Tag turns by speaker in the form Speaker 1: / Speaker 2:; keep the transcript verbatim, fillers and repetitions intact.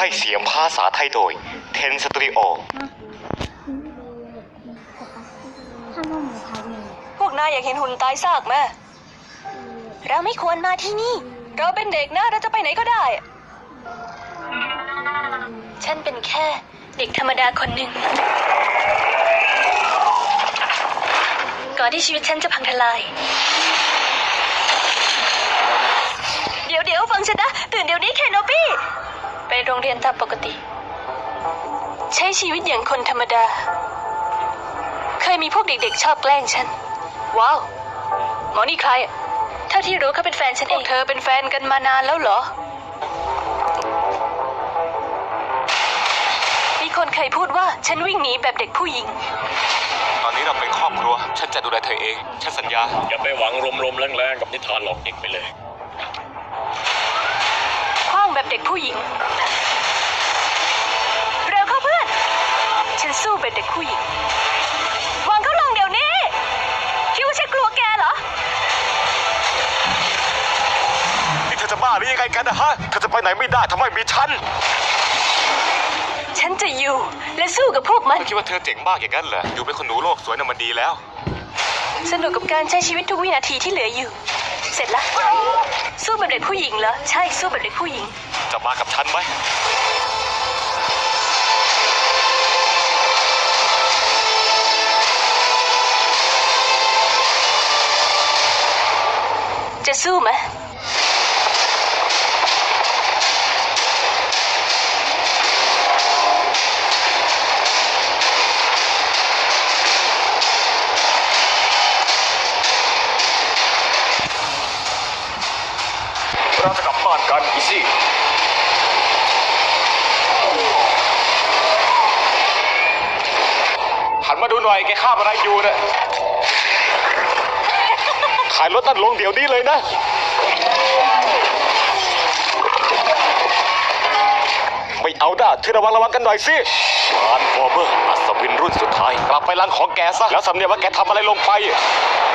Speaker 1: ให้เสียงภาษาไทยโดยเทนสตูดิโอ
Speaker 2: พวกนายอยากเห็นหุ่นตายซากไหมเราไม่ควรมาที่นี่เราเป็นเด็กนะเราจะไปไหนก็ได้ฉันเป็นแค่เด็กธรรมดาคนหนึ่งก่อนที่ชีวิตฉันจะพังทลายเดี๋ยวเดี๋ยวฟังฉันนะตื่นเดี๋ยวนี้แคนโนปี้ไปโรงเรียนตามปกติใช้ชีวิตอย่างคนธรรมดาเคยมีพวกเด็กๆชอบแกล้งฉันว้าวหมอนี่ใครอ่ะเท่าที่รู้เขาเป็นแฟนฉันเองเธอเป็นแฟนกันมานานแล้วเหรอมีคนเคยพูดว่าฉันวิ่งหนีแบบเด็กผู้หญิง
Speaker 1: ตอนนี้เราเป็นครอบครัวฉันจะดูแลเธอเองฉันสัญญา
Speaker 3: อย่าไปหวังลมๆแรงๆกับนิทานหลอกเด็กไปเลย
Speaker 2: คว้างแบบเด็กผู้หญิงเร็วเข้าเพื่อนฉันสู้แบบเด็กผู้หญิงวางเขาลงเดี๋ยวนี้คิดว่าฉันกลัวแกเหรอ
Speaker 1: นี่เธอจะบ้าหรือยังไงกันนะฮะเธอจะไปไหนไม่ได้ทำไมมีฉัน
Speaker 2: ฉันจะอยู่และสู้กับพวกมัน
Speaker 1: คิดว่าเธอเจ๋งมากอย่างนั้นเหรออยู่เป็นคนหนูโลกสวยน่ะมันดีแล้ว
Speaker 2: สนุกกับการใช้ชีวิตทุกวินาทีที่เหลืออยู่เสร็จละสู้แบบเด็กผู้หญิงเหรอใช่สู้แบบเด็กผู้หญิง
Speaker 1: จะมากับฉันไหม
Speaker 2: จะสู้ไหม
Speaker 1: เราจะกลับบ้านกันอีซี่หันมาดูหน่อยแกข้ามอะไรอยู่เนี่ยขายรถนั่นลงเดี๋ยวนี้เลยนะไม่เอาด่าเธอระวังระวังกันหน่อยสิทรานส์ฟอร์เมอร์อัศวินรุ่นสุดท้ายกลับไปรังของแกซะแล้วสำเนียงว่าแกทำอะไรลงไป